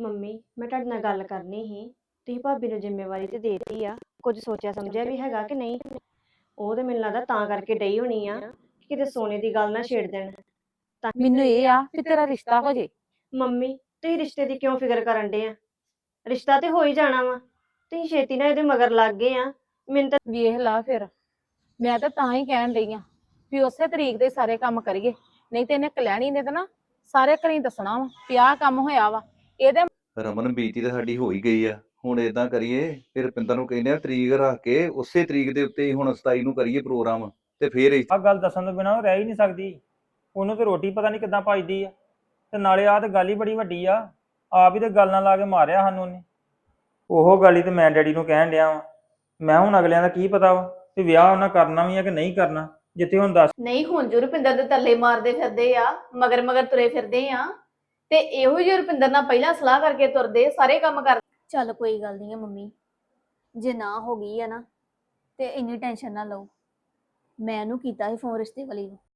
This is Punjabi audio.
ਮੰਮੀ ਮੈਂ ਤੁਹਾਡੇ ਨਾਲ ਗੱਲ ਕਰਨੀ ਸੀ। ਤੁਸੀਂ ਭਾਬੀ ਨੂੰ ਜ਼ਿੰਮੇਵਾਰੀ ਤੇ ਦੇਤੀ ਆ, ਕੁਝ ਸੋਚਿਆ ਸਮਝਿਆ ਵੀ ਹੈਗਾ ਕਿ ਨਹੀਂ? ਉਹ ਤੇ ਮੈਨੂੰ ਲੱਗਦਾ ਤਾਂ ਕਰਕੇ ਡਈ ਹੋਣੀ ਆ ਕਿ ਕਿਤੇ ਸੋਨੇ ਦੀ ਗੱਲ ਨਾ ਛੇੜ ਦੇਣ। ਤਾਂ ਮੈਨੂੰ ਇਹ ਆ ਕਿ ਤੇਰਾ ਰਿਸ਼ਤਾ ਹੋ ਜੇ। ਮੰਮੀ ਤੁਸੀਂ ਰਿਸ਼ਤੇ ਦੀ ਕਿਉਂ ਫਿਕਰ ਕਰਨ ਡੇ ਆ? ਰਿਸ਼ਤਾ ਤੇ ਹੋ ਹੀ ਜਾਣਾ ਵਾ। ਤੁਸੀਂ ਛੇਤੀ ਨਾਲ ਇਹਦੇ ਮਗਰ ਲੱਗ ਗਏ ਆ। ਮੈਨੂੰ ਤਾਂ ਵੇਖ ਲਾ ਫਿਰ, ਮੈਂ ਤਾਂ ਹੀ ਕਹਿਣ ਰਹੀ ਆ ਵੀ ਉਸੇ ਤਰੀਕ ਦੇ ਸਾਰੇ ਕੰਮ ਕਰੀਏ, ਨਹੀਂ ਤੇ ਇਹਨੇ ਕਲੈਣੀ ਨੇ ਤਾਂ ਨਾ ਸਾਰੇ ਘਰੀ ਦੱਸਣਾ ਵਾ ਵੀ ਆਹ ਕੰਮ ਹੋਇਆ ਵਾ ਇਹਦੇ। ਰਮਨ ਬੀਤੀ ਤਾਂ ਸਾਡੀ ਹੋ ਹੀ ਗਈ ਆ। ਹੁਣ ਇਦਾਂ ਕਰੀਏ, ਫਿਰ ਰੁਪਿੰਦਰ ਨੂੰ ਕਹਿੰਦੇ ਆ ਤਰੀਕ ਰੱਖ ਕੇ ਉਸੇ ਤਰੀਕ ਦੇ ਉੱਤੇ ਹੀ ਹੁਣ 27 ਨੂੰ ਕਰੀਏ ਪ੍ਰੋਗਰਾਮ, ਤੇ ਫਿਰ ਆਹ ਗੱਲ ਦੱਸਣ ਤੋਂ ਬਿਨਾਂ ਉਹ ਰਹਿ ਹੀ ਨਹੀਂ ਸਕਦੀ। ਉਹਨੂੰ ਤੇ ਰੋਟੀ ਪਤਾ ਨਹੀਂ ਕਿੱਦਾਂ ਪਚਦੀ ਆ, ਤੇ ਨਾਲੇ ਆਹ ਤੇ ਗੱਲ ਹੀ ਬੜੀ ਵੱਡੀ ਆ। ਆਪ ਹੀ ਤੇ ਗੱਲ ਨਾਲ ਲਾ ਕੇ ਮਾਰਿਆ ਸਾਨੂੰ ਉਹਨੇ। ਉਹ ਗੱਲ ਹੀ ਤੇ ਮੈਂ ਡੈਡੀ ਨੂੰ ਕਹਿਣ ਡਿਆ ਵਾਂ। ਮੈਂ ਹੁਣ ਅਗਲਿਆਂ ਦਾ ਕੀ ਪਤਾ ਵਾ ਵੀ ਵਿਆਹ ਉਹਨਾਂ ਕਰਨਾ ਵੀ ਆ ਕਿ ਨਹੀਂ ਕਰਨਾ, ਜਿੱਥੇ ਹੁਣ ਦੱਸ। ਨਹੀਂ ਹੁਣ ਜੋ ਰੁਪਿੰਦਰ ਦੇ ਤਰਲੇ ਮਾਰਦੇ ਫਿਰਦੇ ਆ, ਮਗਰ ਮਗਰ ਤੁਰੇ ਫਿਰਦੇ ਆ, ਤੇ ਇਹੋ ਜਿਹੇ ਰੁਪਿੰਦਰ ਨਾਲ ਪਹਿਲਾਂ ਸਲਾਹ ਕਰਕੇ ਤੁਰਦੇ ਸਾਰੇ ਕੰਮ ਕਰ। ਚੱਲ ਕੋਈ ਗੱਲ ਨਹੀਂ ਆ ਮੰਮੀ, ਜੇ ਨਾ ਹੋ ਗਈ ਆ ਨਾ ਤੇ ਇੰਨੀ ਟੈਨਸ਼ਨ ਨਾ ਲਓ। ਮੈਂ ਉਹਨੂੰ ਕੀਤਾ ਸੀ ਫੋਨ ਰਿਸ਼ਤੇ ਵਾਲੀ ਨੂੰ,